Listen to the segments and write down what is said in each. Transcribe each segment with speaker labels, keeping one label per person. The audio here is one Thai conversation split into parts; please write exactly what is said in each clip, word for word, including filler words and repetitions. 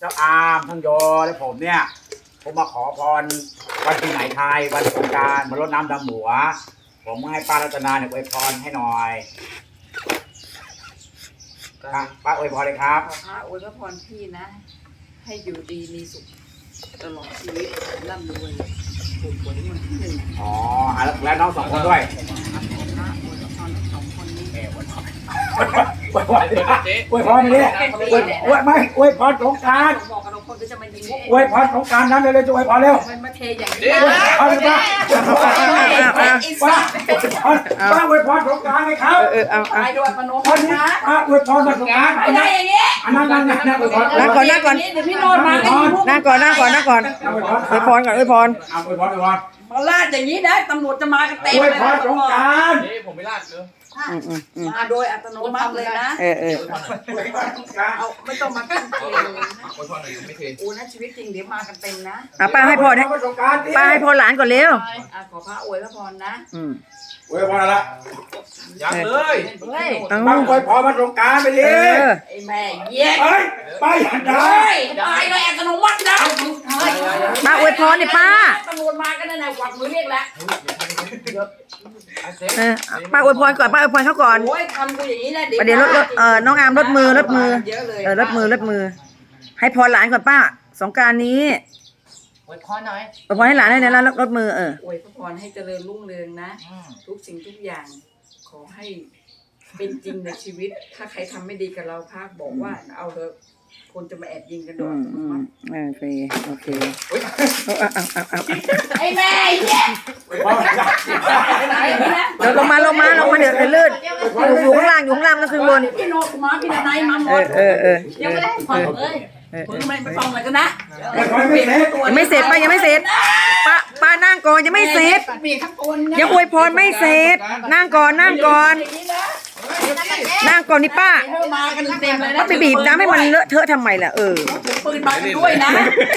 Speaker 1: จ้าอามทั้งโยและผมเนี่ยผมมาขอพรวันปีใหม่ไทยวันสงกรานต์มารดน้ำดำหัวผมให้ป้ารัตนาเนี่ยอวยพรให้หน่อยครับป้าอวยพรเลยครับ
Speaker 2: ขอพระอวยพรพี่นะ ให้อยู่ดีมีสุขตลอดชีวิตร่ำรวยถูกหวยวันที่หนึ่ง
Speaker 1: อ๋อแล้วน้องสองคนด้วย
Speaker 2: ขอพระอวยพรทั้งสองคนนี้
Speaker 1: อวยพรอวยพรอวยพรเลยอวยไม่อวยพรสงกรานต์
Speaker 2: บอกกับทุกคนก็จะมายิง
Speaker 1: อวยพรสงกรานต์นั้นเลยจะอวยพรเร็ว
Speaker 2: มันมาเทอย่างนี้
Speaker 1: ป้าป้าป้าอวยพรสงกรานต์ไหมครับ
Speaker 3: เออเอา
Speaker 2: ตายด้วยมโน
Speaker 1: วันนี้
Speaker 2: นะ
Speaker 1: ป้าอวยพรสงกรานต์
Speaker 2: ไม่ได้อย่างนี้
Speaker 1: อันนั้นนั่นนั่นนั่นอวยพร
Speaker 3: นั่งก่อนนั่งก่อน
Speaker 2: เดี๋ยวพี่โนนมาก็ยิงพวก
Speaker 3: นั่งก่อนนั่งก่อนนั่งก่อนอวยพรก่อนอวยพร
Speaker 1: เอาอวยพรอวยพร
Speaker 2: มาลาดอย่างนี้นะตำรวจจะมากันเต็ม
Speaker 1: อวย
Speaker 2: เลย
Speaker 1: พรสงกรานต์
Speaker 4: นี่ผมไม่ลาดเลย
Speaker 3: อืมอืมอืม
Speaker 2: มาโดยอัตโนมัติเลยนะ
Speaker 3: เออเออ
Speaker 1: อวยพรสงกรานต์
Speaker 2: เอาไม่ต้องมาขึ้นเอง
Speaker 4: คนพอหน่อยไม่เท
Speaker 2: โอ้นะชีวิตจริงเดี๋ยวมากันเต็มนะ
Speaker 3: อ่ะป้าให้พรให้
Speaker 1: สงกรานต์
Speaker 3: ป้าให้พรหลานก่อนเร็ว
Speaker 2: อ่ะขอพระอวยพรนะ
Speaker 3: อืม
Speaker 1: อวยพรอะไร
Speaker 4: ยังเลย
Speaker 2: เฮ้ย
Speaker 3: เอา
Speaker 1: ป้าอวยพรมาสงกรานต์ไปดิ
Speaker 3: เออ
Speaker 2: ไอ้แม่เย็ด
Speaker 1: เฮ้ยป้าอย่าด่า
Speaker 2: เฮ้ยตายเลยอัตโนมัตินะเฮ้ย
Speaker 3: ป้าอวยพรเนี่ยป้า
Speaker 2: ตำรวจมากันนั่นแหละกวักมือเรียกแล้ว
Speaker 3: เออป้าอวยพรก่อนป้าอวยพรเขาก่อน
Speaker 2: โอ้ยทำกูอย่างนี้นะ
Speaker 3: ประเดี๋ยวรถรถเออน้องอามรถมือรถมือ
Speaker 2: เยอะเลย
Speaker 3: เออรถมือรถมือ ให้พรหลานก่อนป้า สงกรานต์นี้
Speaker 4: อวยพรหน่อย
Speaker 3: อวยพรให้หลานได้แล้วรถมือเออ
Speaker 2: อวยพรให้เจริญรุ่งเรืองนะ ทุกสิ่งทุกอย่าง ขอให้เป็นจริงในชีวิต ถ้าใครทำไม่ดีกับเราภาคบอกว่าเอาเถอะคนจะมาแอบยิงกันโด
Speaker 3: อื
Speaker 2: น
Speaker 3: มอืมโอเคโอเคเอาเอาเอาเอา
Speaker 2: ไอ้แม่เย็ด
Speaker 1: อวยพรไปไหน
Speaker 3: เดี๋ยวลงมาลงมาลงมาเดี๋ยวเดี๋ยวลื่นอยู่อยู่ข้างล่างอยู่ข้างล่างต้องขึ้นบน
Speaker 2: พี่โนกูมาพี่นายมาหม
Speaker 3: เอ
Speaker 2: ด
Speaker 3: อเออเออ
Speaker 2: ยังไม่ได้ฟังเลย
Speaker 3: เออ
Speaker 2: มึงไม่ไปฟังอะไรกันนะ
Speaker 1: อวยพรไม่เสร็จ
Speaker 3: ยังไม่เสร็จป้ายังไม่เสร็จป้าป้านั่งก่อนยังไม่เสร็จ
Speaker 2: มีทั้งคนนะ
Speaker 3: ยังอวยพรไม่เสร็จ นั่งก่อนนั่งก่อน
Speaker 2: อย่างนี้นะ
Speaker 3: นั่งก่อนนี่ป้า
Speaker 2: เธอมากันเต็มเลยนะ
Speaker 3: ป้าไปบีบน้ำให้มันเลอะเทอะทำไมล่ะเออ
Speaker 2: ถือปืนมากันด้วยนะ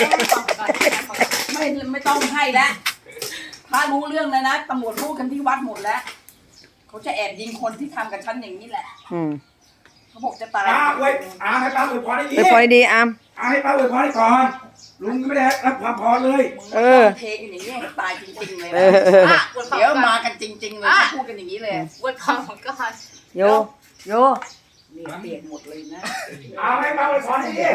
Speaker 2: ไม่ไม่ต้องให้แล้วพระรู้เรื่องแล้วนะตำรวจพูดกันที่วัดหมดแล้วเขาจะแอบยิงคนที่ทำกับฉันอย่างนี้แหละ
Speaker 3: อืม
Speaker 2: เขาบอกจะตาย
Speaker 1: ป้าอวยอาให้ป้าอวยพรให้ดี
Speaker 3: ไปพอดีอาม
Speaker 1: อาให้ป้าอวยพรให้ก่อนลุงไม่ได้รับความพรเลย
Speaker 3: เออ
Speaker 2: เทกันอย่างนี้ให้ตายจริงๆเลย
Speaker 3: เอ
Speaker 2: นะ
Speaker 3: อเออ
Speaker 2: เดี๋ยวมากันจริง ๆ เลยพูดกันอย่างนี้เลย
Speaker 4: อวยพรของก็
Speaker 3: โยโย
Speaker 2: นี่เปียกหมดเลยนะ
Speaker 1: อาให้ป้าอวยพรให้ดี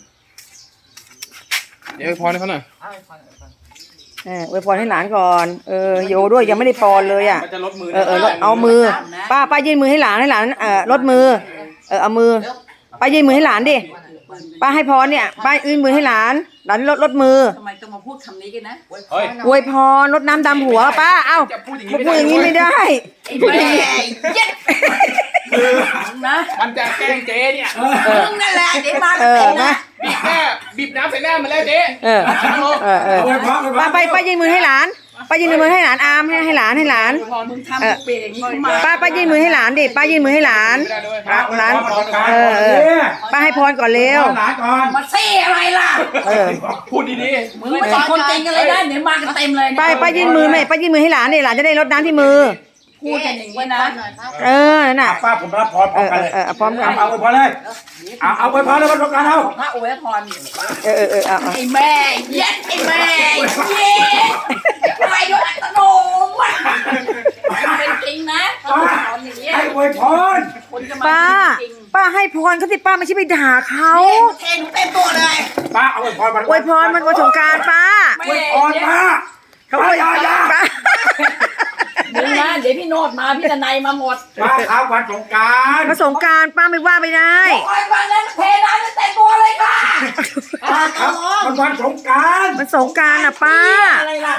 Speaker 4: เดี๋ยวอวยพรให้เขาหน่อย
Speaker 3: เอออวยพรให้หลานก่อนเออโยด้วยยังไม่ได้ปอนเลยอ่ะ
Speaker 4: มันจะลดมือ
Speaker 3: เออเออเอามือ ป้าป้ายื่นมือให้หลานให้หลานเออลดมือเออเอามือป้ายื่นมือให้หลานดิป้าให้พรเนี่ยป้ายื่นมือให้หลานหลานลดลดมือ
Speaker 2: ทำไมต้องมาพูดคำนี้กันนะ
Speaker 4: เฮ้ย
Speaker 3: อวยพรลดน้ำดำหัวป้าเอ้า
Speaker 4: จะพูดอย่าง
Speaker 3: พูดอย่างนี้ไม่ได้
Speaker 2: ไอ้แม่เย็ดนะ
Speaker 4: มันจะแกล้งเจ๊เนี่ย
Speaker 2: มึงนั่นแหละเดี๋ยวมา
Speaker 3: เอ
Speaker 2: กัน
Speaker 3: อ
Speaker 2: เต็ม
Speaker 3: นะ
Speaker 2: นะ
Speaker 4: บีบหน้าบีบน้ำใส่หน้ามาแล้วเจ๊
Speaker 3: เออเออเออ
Speaker 1: อวยพรอวยพร
Speaker 3: ป้าไปป้ายื่นมือให้หลานป้ายื่นมือให้หลานอามให้ให้หลานให้หลาน
Speaker 2: มึงทำกูเปียกอย่างนี้ขึ้นมา
Speaker 3: ป้าป้ายื่นมือให้หลานดิป้ายื่นมือให้หลาน
Speaker 4: ไม่ได้ด้วย
Speaker 1: ป้าอวยพรมาสงกรานต์
Speaker 3: เออเออ ป้าให้พรก่อนเร็ว
Speaker 1: หลานก่อน
Speaker 2: มาเซ่อะไรล่ะ
Speaker 3: เออ
Speaker 4: พูดดี
Speaker 2: มึงไม่ใช่คนจริงกันเลยนะเดี๋ยวมากันเต็มเลย
Speaker 3: ป้าป้ายื่นมือไหมป้ายื่นมือให้หลานดิหลานจะได้รดน้ำที่มือ
Speaker 2: พูดกันอย่างนี้นะ
Speaker 3: เออนั่นน่ะ
Speaker 1: ป้าผมรับพรพ
Speaker 3: เอ
Speaker 1: ร้อม
Speaker 3: อ
Speaker 1: กันเลย
Speaker 3: เออพร้อมกัน
Speaker 1: เอาอวยพรเลยเอาเอาอวยพรเลยมาสงกรานต์เอา
Speaker 2: พระอวยพร
Speaker 3: เออเออเออเอา
Speaker 2: ไอ้แม่เย็ดไอ้แม่เย็ดตายด้วยอัตโนมัติเป็นจริงนะถ้าพูดตอนอย่างเงี้ย
Speaker 1: ให้อวยพร
Speaker 2: คนจะมา
Speaker 3: ป้า
Speaker 2: จริง
Speaker 3: ป้าให้พรเขาสิป้าไม่ใช่ไปด่าเขา
Speaker 2: เทนเต็มตัวเลย
Speaker 1: ป้าเอาอวยพรมา
Speaker 3: อวยพรมันวันสงกรานต์ป้า
Speaker 1: อวยพรป้า
Speaker 3: เขาอวย
Speaker 1: ป้าอย่า
Speaker 3: ป้า
Speaker 2: มึงนะเดี๋ยวพี่โนดมาพี่ตะไนมาหมด
Speaker 1: ป้าครับวันสงกรานต์
Speaker 3: มาสงกรานต์ป้าไม่ว่าไม่ได้
Speaker 2: โอ้ยวันนั้นเทน้ำเต็มตัวเลยค่ะ
Speaker 1: ป้าครับมันวันสงกรานต์
Speaker 3: มันสงกรานต์อ่ะป้า
Speaker 2: อะไรล่ะ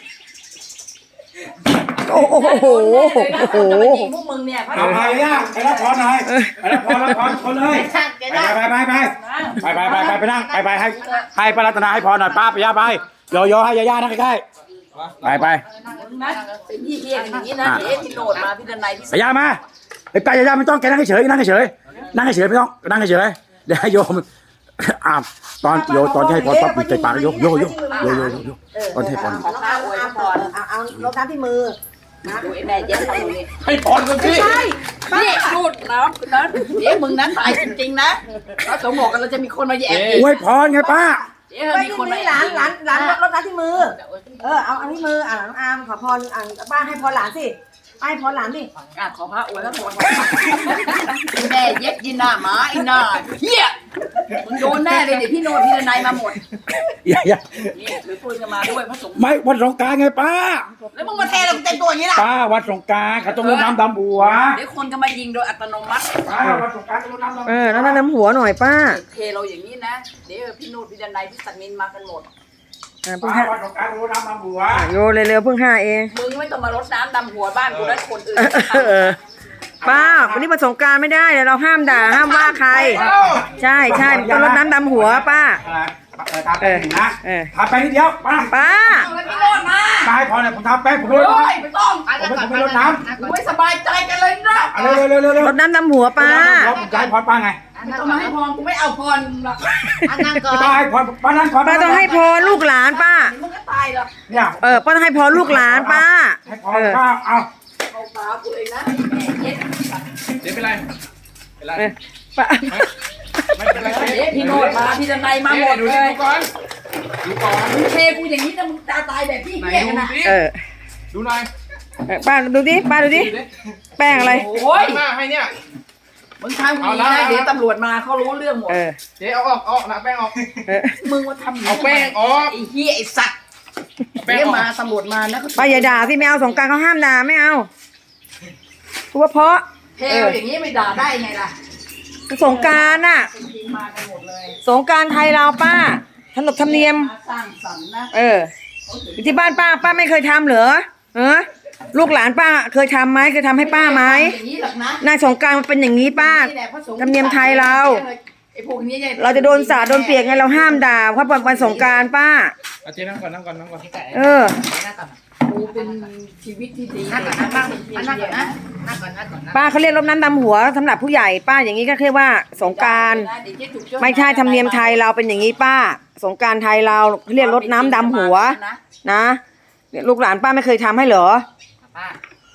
Speaker 3: โอ้โหโอ้โหโอ้โห
Speaker 2: พวกมึงเนี่ยพระ
Speaker 1: เอาไปย่าไปรับพรหน่อยไปรับพรรับพรคนเลยไปไปไปไปไปไปไปไปไปนั่งไปไปให้ให้ป้ารัตนาให้พรหน่อยป้าไปย่าไปโยโย่ให้ย่าย่านั่งใกล้ๆไปไป
Speaker 2: มึงนะเป็นพี่เฮียกันอย่างนี้นะเดี๋ยวพี่โนดมาพี่ตะไนพี่
Speaker 1: ไปย่ามาไปไปย่าไม่ต้องแกนั่งเฉยนั่งเฉยนั่งเฉยไม่ต้องนั่งเฉยเดี๋ยวให้โยมอ่าตอนโยตอนที่ให้พรปั๊บปิดใจปากโยโยโยโยโยโยตอนที่ให้พร
Speaker 2: ขอข้าวอวยพร
Speaker 3: เอาเอารดน้ำที่มือ
Speaker 2: ดูไอ้แม่เย็ดทำตรงนี้
Speaker 4: ๆให้พรกันสิ
Speaker 3: ใช่
Speaker 2: นี่พูดน้ำคนนั้นเดี๋ยวมึงนั้นตายจริงๆนะพระสงฆ์บอกกันเราจะมีคนมาแย่ง
Speaker 1: อวยพรไงป้า
Speaker 2: เดี๋ยว
Speaker 3: ป้า
Speaker 2: มี
Speaker 3: ยื่
Speaker 2: คน
Speaker 3: น
Speaker 2: มา
Speaker 3: ให้
Speaker 2: แย่
Speaker 3: หลานหลานหลานรดน้ำที่มือ เออเอาอันที่มืออ่ะน้องอาร์มขอพรอ่ะป้าให้พรหลานสิป้าให้พรหลานสิ
Speaker 2: อ่ะขอพระอวยพระพรแม่เย็ดยินหน้าหมาอีหน้าเฮียมึงโดนแน่เลยเดี๋ยวพี่โนดพี่นายมาหมด
Speaker 1: อย่าอย่า
Speaker 2: นี่หรือปืนจะมาด้วยพระสงฆ์
Speaker 1: ไม่วันสงกรานต์ไงป้า
Speaker 2: แล้วมึงมาเทเราเต็มตัวอย่างนี้ล่ะ
Speaker 1: ป้าวันสงกรานต์เขาต้องรดน้ำดำหัว
Speaker 2: เดี๋ยวคนก็มายิงโดยอัตโนมัติ
Speaker 1: ป้าวันสงกรานต์ต้องรดน้ำดำ
Speaker 3: เอ
Speaker 1: หัว
Speaker 3: อแล้วน้ำหัวหน่อยป้า
Speaker 2: เทเราอย่างนี้นะเดี๋ยวพี่โนดพี่นายพี่สันมินมากันหมด
Speaker 3: อ่ะเพิ่ง
Speaker 1: ป้า
Speaker 3: ห้า
Speaker 1: วันสงกรานต์ต้องรดน้ำดำหัว
Speaker 3: อ่ะโยเร็วๆเพิ่งห้าเอง
Speaker 2: มึงไม่ต้องมารดน้ำดำหัวบ้านกูและคนอื่น
Speaker 3: เออป้าวันนี้มาสงกรารไม่ได้เดี๋ยวเราห้ามด่าห้ามว่าใคร ใช่ใช่ต้องรดน้ำดำหัวป้า
Speaker 1: เออทาแป้งนะ
Speaker 3: เออ
Speaker 1: ทาแป้งนิดเดียวป้า
Speaker 3: ป้า
Speaker 2: เอาแล้วพี่โนดมา
Speaker 1: ป้าให้พรเนี่ยผมทาแป้งผม
Speaker 2: เฮ้
Speaker 1: รดน้
Speaker 2: ยไม่ต้อง
Speaker 1: ำผมไม่ผมไม่รดน้ำ
Speaker 2: กูไม่สบายใจกันเลยนะ
Speaker 1: เอาเร็วเร็วเร็วเร็ว
Speaker 3: รดน้ำดำหัวป้า
Speaker 1: ผมจะให้พรป้าไง
Speaker 2: ไม่ต้องมาให้พรกูไม่เอาพรมึงหรอก
Speaker 1: ป้าให้พรป้านั่นพร
Speaker 3: ป้าต้องให้พรลูกหลานป้า
Speaker 2: มึงก็ตายหรอก
Speaker 1: เนี่ย
Speaker 3: เออป้าต้องให้พรลูกหลานป้า
Speaker 1: ให้พรป้าเอา
Speaker 2: เอาตากูเลยนะแม่เย็ด
Speaker 4: เจ๊เป็นไรเป็นไร
Speaker 3: เออป้า
Speaker 4: ไม่เป็นไรเจ๊
Speaker 2: เดี๋ยวพี่โนดมาพี่นายมาหมด
Speaker 4: ดู
Speaker 2: เล
Speaker 4: ดิ
Speaker 2: ย
Speaker 4: ดูก่อนดูก่อน
Speaker 2: มึงเทกูอย่างนี้นะมึงตาตายแบบพี่
Speaker 4: ไหน
Speaker 2: เหี้ย
Speaker 4: ดู
Speaker 2: กันนะ
Speaker 4: สิ
Speaker 3: เออ
Speaker 4: ดูหน่อย
Speaker 3: เออป้าดูดิป้าดูดิ
Speaker 4: ดูดิ
Speaker 3: แป้งอะไร
Speaker 2: โอ้ย
Speaker 4: หน้าให้เนี่ย
Speaker 2: มึงทำอย่างนี้นะเดี๋ยวตำรวจมาเขารู้เรื่องหมด
Speaker 3: เออ
Speaker 4: เจ๊เอาออกเอาออกนะแป้งออก
Speaker 3: เออ
Speaker 2: มึงมาทำย่
Speaker 4: เอาแป้งออก
Speaker 2: ไอ้เหี้ยไอ้สัตว์
Speaker 4: แป้ง
Speaker 2: เดี๋ยว
Speaker 4: ออก
Speaker 2: มาตำรวจมานะ
Speaker 3: ป้าอย่าด่าสิไม่เอาสงกรารเขาห้ามด่าไม่เอาพูดว่าเพราะ
Speaker 2: เทวอย่างนี้ไม่ด่าได้ไงล่ะ
Speaker 3: สงกรารน่ะ
Speaker 2: จริงๆมากันหมดเลย
Speaker 3: สงกรารไทยเราป้าขนบธรรมเนียม
Speaker 2: มาสร้างสรรค์นะ
Speaker 3: เอออยู่ที่บ้านป้าป้าไม่เคยทำเหรอเออลูกหลานป้าเคยทำไหมเคยทำให้ป้าไหม
Speaker 2: อย่างนี้หรอกนะ
Speaker 3: หน้าสงกรารมันเป็นอย่างนี้ป้า
Speaker 2: นี่แหละพระสงฆ์
Speaker 3: ธรรมเนียมไทยเรา
Speaker 2: ไอ้พวกนี้นี่ย
Speaker 3: เราจะโดนสาดโดนเปียกไงเราห้ามด่าเพราะวันสงกรารป้า
Speaker 4: เอาเจ๊นั่งก่อนนั่งก่อนนั่งก่อน
Speaker 3: เออ
Speaker 2: กูเป็นชีวิตที่ดี
Speaker 5: นั่งก่อนนั่งนั่งก่อนนะนั่งก่อนนั่งก่อนนะ
Speaker 3: ป้าเขาเรียกรดน้ำดำหัวสำหรับผู้ใหญ่ป้าอย่างนี้ก็เรียกว่าสงกรารไม่ใช่ธรรมเนียมไทยเราเป็นอย่างนี้ป้า สงกรารไทยเราเขาเรียกรดน้ำดำหัวนะเนี่ยลูกหลานป้าไม่เคยทำให้เหรอ
Speaker 5: ป้า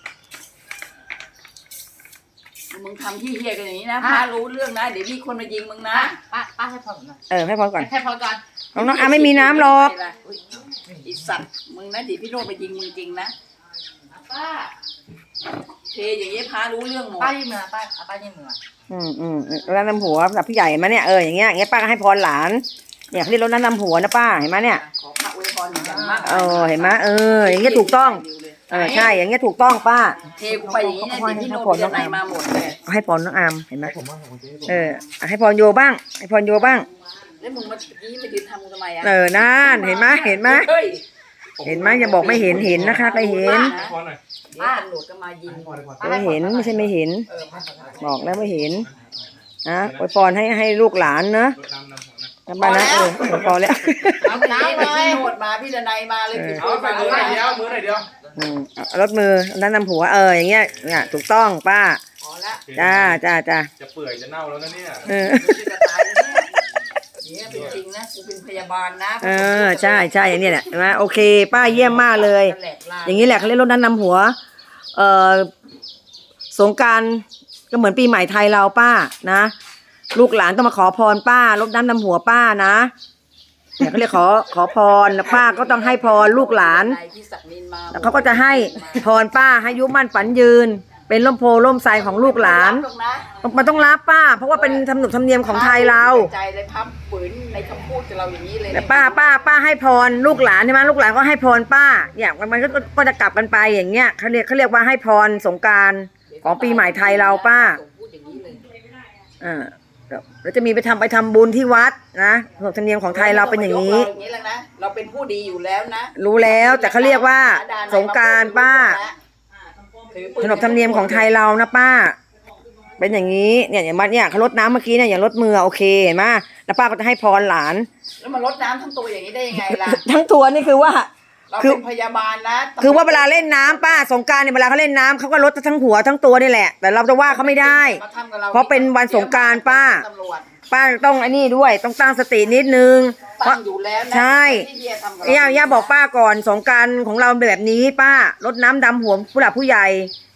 Speaker 2: มึงทำที่เฮียกันอย่างนี้นะพารู้เรื่องนะเดี๋ยวมีคนมายิงมึงนะ
Speaker 5: ป้าป้าให้พอผมหน่อย
Speaker 3: เออให้พรก่อน
Speaker 5: ให้พอก่อน
Speaker 3: น้องน้องอาไม่มีน้ำหรอก
Speaker 2: ไอีสัตว์มึงนะเดี๋ยวพี่โนดมายิงมึงจริงนะ
Speaker 5: ป้า
Speaker 2: เทอย่างนี้พารู้เรื่องหมด
Speaker 5: ป้ายืมมือป้าป้ายืมมือ
Speaker 3: อืมอืมรดน้ำหัวสำหรับผู้ใหญ่มาเนี่ยเอออย่างเงี้ยอย่างเงี้ยป้าก็ให้พรหลานเนี่ยเขาเรียกรดน้ำหัวนะป้าเห็นไหมเนี่ย
Speaker 2: ขอพระอวยพรอย่างมาก
Speaker 3: เออเห็นไหมเอออย่างเงี้ยถูกต้องเออใช่อย่างเงี้ยถูกต้องป้า
Speaker 2: เทกูไปอย่างนี้นะเดี๋ยวพี่โนดจะไหนมาหมดเลย
Speaker 3: ให้พรน้องอามเห็นไหมเออให้พรโยบ้างให้พรโยบ้าง
Speaker 2: แล้วมึงมากี้มายืนทำกูทำไมอ่ะ
Speaker 3: เออนั่นเห็นไหมเห็นไหม
Speaker 2: เฮ้ย
Speaker 3: เห็นไหมอย่าบอกไม่เห็นเห็นนะคะไปเห็น
Speaker 4: พอหน่อย
Speaker 2: เดี๋ยวตำรวจก็มายิง
Speaker 3: ไม่เห็นไม่ใช่ไม่เห็น
Speaker 2: เออมาขอโทษ
Speaker 3: บอกแล้วไม่เห็นนะอวยพรให้ให้ลูกหลานนะ
Speaker 4: รดน้ำน้ำหัวนะ
Speaker 3: นะป้านะเอออวยพรแล้ว
Speaker 2: เอาน้ำเลยพี่โนดมาพี่ดนัยมาเลยพี่
Speaker 4: เอาไปมือหน่อยเดียวมือหน่อยเดียว
Speaker 3: อืมเอารถมือนั่นนำหัวเอออย่างเงี้ยเนี่ยถูกต้องป้า
Speaker 2: พอละ
Speaker 3: จ้าจ้าจ้า
Speaker 4: จะเปื่อยจะเน่าแล้วนะเนี่ย
Speaker 3: เออ
Speaker 2: กูจะตายแล้วเนี่ยเนี่ยเป็นจริงนะกูเป็นพยาบาลนะ
Speaker 3: เออใช่ใช่อย่างเนี้ยแหละเห็นไหมโอเค ป้าเยี่ยมมากเลย
Speaker 2: แหลกลา
Speaker 3: อย่างนี้แหละเขาเรียกรถนั้นนำหัว เอ่อสงกรารก็เหมือนปีใหม่ไทยเราป้านะ ลูกหลานต้องมาขอพรป้ารดน้ำดำหัวป้านะเนี่ยเขาเรียกขอขอพรแล้วป้าก็ต้องให้พรลูกหลาน
Speaker 2: นายพี่ศักดิ์นินมา
Speaker 3: แล้วเขาก็จะให้พรป้าให้อายุมั่นฝันยืน เป็นร่มโพล่มไทรของลูกหลาน
Speaker 2: ตรงนะ
Speaker 3: มันต้องรับป้า เพราะว่าเป็นธรรมนุธรรมเนียมของไทยเรา
Speaker 2: ใจเลยพับฝืนในคำพูดกับเราอย่างนี้เลย
Speaker 3: แต่ป้าป้าป้าให้พรลูกหลานใช่ไหมลูกหลานก็ให้พรป้าเนี่ยมันมันก็ก็จะกลับกันไปอย่างเงี้ยเขาเรียกเขาเรียกว่าให้พรสงกรารของปีใหม่ไทยเราป้า
Speaker 2: พูดอย่างนี้เลย
Speaker 3: อ่าแล้วจะมีไปทำไปทำบุญที่วัดนะขนบธรรมเนียมของไทยเราเป็นอย่างนี้
Speaker 2: นี้อย่างนี้แล้วนะเราเป็นผู้ดีอยู่แล้วนะ
Speaker 3: รู้แล้วแต่เขาเรียกว่าสงกรารป้าขนบธรรมเนียมของไทยเรานะป้า เป็นอย่างนี้เนี่ยอย่างมาเนี่ยเขารดน้ำเมื่อกี้เนี่ยอย่างรดมือโอเคเห็นไหมแล้วป้าก็จะให้พรหลาน
Speaker 2: แล้วมันลดน้ำทั้งตัวอย่างนี้ได้ยังไงล่ะ
Speaker 3: ทั้งตัวนี่คือว่า
Speaker 2: เรา
Speaker 3: คือ
Speaker 2: เป็นพยาบาลนะ
Speaker 3: คือว่าเวลาเล่นน้ำป้าสงกรารเนี่ยเวลาเขาเล่นน้ำเขาก็ลดทั้งหัวทั้งตัวนี่แหละ แต่เราจะว่าเขาไม่ได้
Speaker 2: มาทำกับเรา
Speaker 3: เพราะเป็นวันสงกรานต์ป้า
Speaker 2: ตำรวจ
Speaker 3: ป้าต้องไอ้นี่ด้วยต้องตั้งสตินิดนึงเพ
Speaker 2: ตั้
Speaker 3: ราะ
Speaker 2: งอยู่แล้วนะ
Speaker 3: ใช่
Speaker 2: ที่เฮียทำกับเรา
Speaker 3: ย่าย่าบอกป้าก่อนสงกรารของเราแบบนี้ป้ารดน้ำดำหัวผู้หลักผู้ใหญ่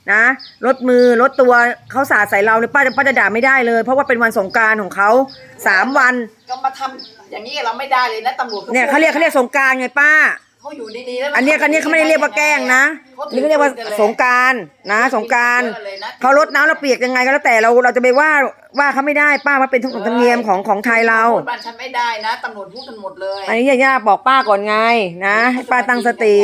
Speaker 3: นะลดมือลดตัวเขาสาดใส่เราเนี่ยป้าจะป้าจะด่าไม่ได้เลย เพราะว่าเป็นวันสงกรานต์ของเขาสามวัน
Speaker 2: ก็มาทำอย่างนี้กับเราไม่ได้เลยนะตำรวจ
Speaker 3: เนี่ยเขาเรียกเขาเรียกสงกรานต์ไงป้า
Speaker 2: เขาอยู่ดีๆแล้ว
Speaker 3: อันเนี้ยอันเนี้ยเขาไม่ได้เรียกว่าแกล้งนะนี่เขาเรียกว่าสงกรานต์นะสงกรานต์เขาลดน้ำเราเปียกยังไงก็แล้วแต่เราเราจะไปว่าว่าเขาไม่ได้ป้าว่าเป็นทุกธรรมเนียมของของไทยเรา
Speaker 2: พูดบ้านฉันไม่ได้นะตำรวจพูดกันหมดเลย
Speaker 3: อันนี้ย่าๆบอกป้าก่อนไงนะให้ป้าตั้งสติ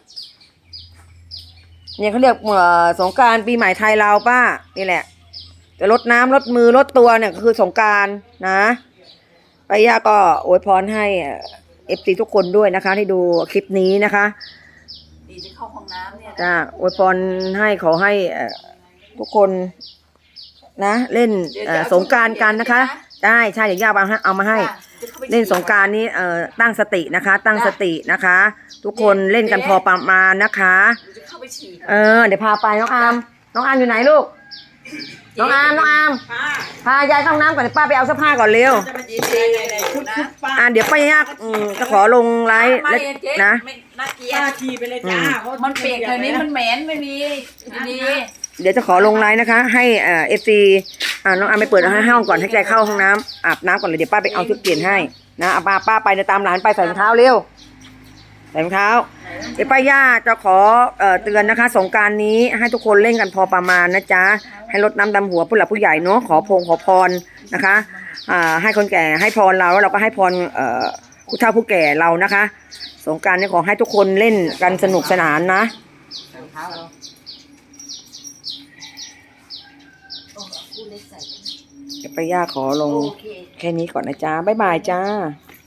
Speaker 3: เนี่ยเขาเรียกเอ่อสงกรานต์ปีใหม่ไทยเราป้านี่แหละจะลดน้ำลดมือลดตัวเนี่ยคือสงกรานต์นะป้าย่าก็อวยพรให้เอฟซีทุกคนด้วยนะคะที่ดูคลิปนี้นะคะ
Speaker 2: ดีจะเข้าห้องน้ำเนี่ย
Speaker 3: จ้าอวยพรให้ขอให้เอ่อทุกคนนะเล่นเอ่อสงกรานต์กันนะคะใช่ใช่เดี๋ยวย่าเอามาให้เอามาให้ เล่นสงกรานต์นี้เอ่อตั้งสตินะคะ ตั้งสตินะคะ ทุกคนเล่นกันพอประมาณนะคะ
Speaker 2: จะเข้าไปฉี่
Speaker 3: เออเดี๋ยวพาไปน้องอามน้องอามอยู่ไหนลูกน้องอามน้องอามพายายเข้าห้องน้ำก่อนเดี๋ยวป้าไปเอาเสื้อผ้าก่อนเร็ว
Speaker 2: จะมาจีบเลยชุดชุดป้า
Speaker 3: อ่าเดี๋ยวป้ายากอืมจะขอลงไลฟ์แล้วนะ
Speaker 2: ไม่น่าเกลีย
Speaker 6: ป้า
Speaker 2: ด
Speaker 6: ขี่ไปเลยจ้าเพราะ
Speaker 2: มันเปียกเธอนี้มันเหม็นไม่มีดี
Speaker 3: เดี๋ยวจะขอลงไลฟ์นะคะ ให้เอ่อฟซีอ่าน้องอามไปเปิดให้ห้องก่อนให้ใจเข้าห้องน้ำอาบน้ำก่อนเลยเดี๋ยวป้าไปเอาชุดเปลี่ยนให้นะเอาป้าป้าไปเดี๋ยวตามหลานไปใส่รองเท้าเร็วใส่รองเท้าเดี๋ยวป้าย่าจะขอเอ่อเตือนนะคะ สงกรานต์นี้ให้ทุกคนเล่นกันพอประมาณนะจ๊ะให้ลดน้ำดำหัวผู้หลักผู้ใหญ่เนาะขอพงขอพรนะคะอ่าให้คนแก่ให้พรเราแล้วเราก็ให้พรเอ่อผู้เฒ่าผู้แก่เรานะคะ สงกรานต์นี้ขอให้ทุกคนเล่นกันสนุกสนานนะ
Speaker 5: ใส่รองเท้าเรา
Speaker 3: เดี๋ยวป้าย่าขอลง
Speaker 5: โอเค
Speaker 3: แค่นี้ก่อนนะจ๊ะบ๊ายบายจ้า
Speaker 5: บ